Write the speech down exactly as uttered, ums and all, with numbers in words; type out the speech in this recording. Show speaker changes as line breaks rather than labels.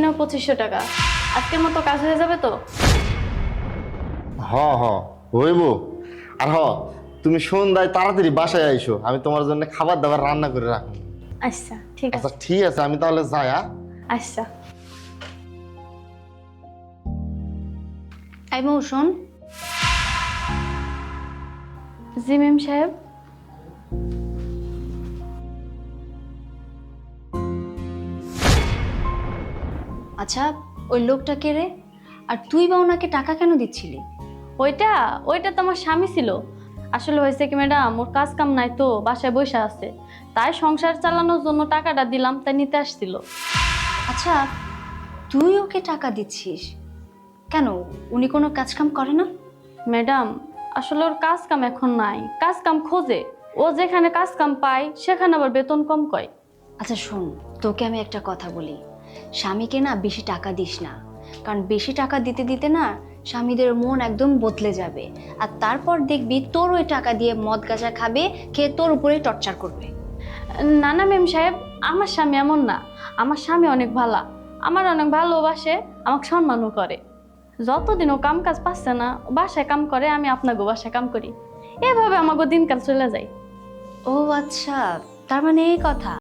নাও পঁচিশশো টাকা। আজকের মতো কাজ হয়ে যাবে তো?
হ হ হইব। আর হ, তুমি সন্ধ্যায় তাড়াতাড়ি বাসায় আইসো, আমি তোমার জন্য খাবার দাবার রান্না করে রাখবো।
আচ্ছা ঠিক
আচ্ছা
আছে।
ঠিক আছে, আমি তাহলে যাই। হ্যাঁ
আচ্ছা।
এই বউ শোন,
জি ম্যাম সাহেব।
আচ্ছা ওই লোকটা কে রে? আর তুই বা ওনাকে টাকা কেন দিচ্ছিলি?
ওইটা ওইটা তো আমার স্বামী ছিল। আসলে হয়েছে কি ম্যাডাম, ওর কাজ কাম নাই তো, বাসায় বসে আছে, তাই সংসার চালানোর জন্য টাকাটা দিলাম, তাই নিতে আসছিল।
আচ্ছা তুই ওকে টাকা দিচ্ছিস কেন? উনি কোনো কাজ কাম করে না?
ম্যাডাম আসলে ওর কাজ কাম এখন নাই, কাজ কাম খোঁজে। ও যেখানে কাজ কাম পায় সেখানে আবার বেতন কম কয়।
আচ্ছা শোন, তোকে আমি একটা কথা বলি, স্বামীকে না বেশি টাকা দিস না, কারণ বেশি টাকা দিতে দিতে না স্বামীদের মন একদম বদলে যাবে, আর তারপর দেখবি তোর ওই টাকা দিয়ে মদ গাঁজা খাবে, খেয়ে তোর উপরে টর্চার করবে।
না না ম্যাম সাহেব, আমার স্বামী এমন না। আমার স্বামী অনেক ভালো, আমার অনেক ভালোবাসে, আমাকে সম্মানও করে। যতদিন ও কাম কাজ পাচ্ছে না, ও বাসায় কাম করে, আমি আপনাকে বাসায় কাম করি, এভাবে আমাকে দিনকাল চলে যায়।
ও আচ্ছা, তার মানে এই কথা।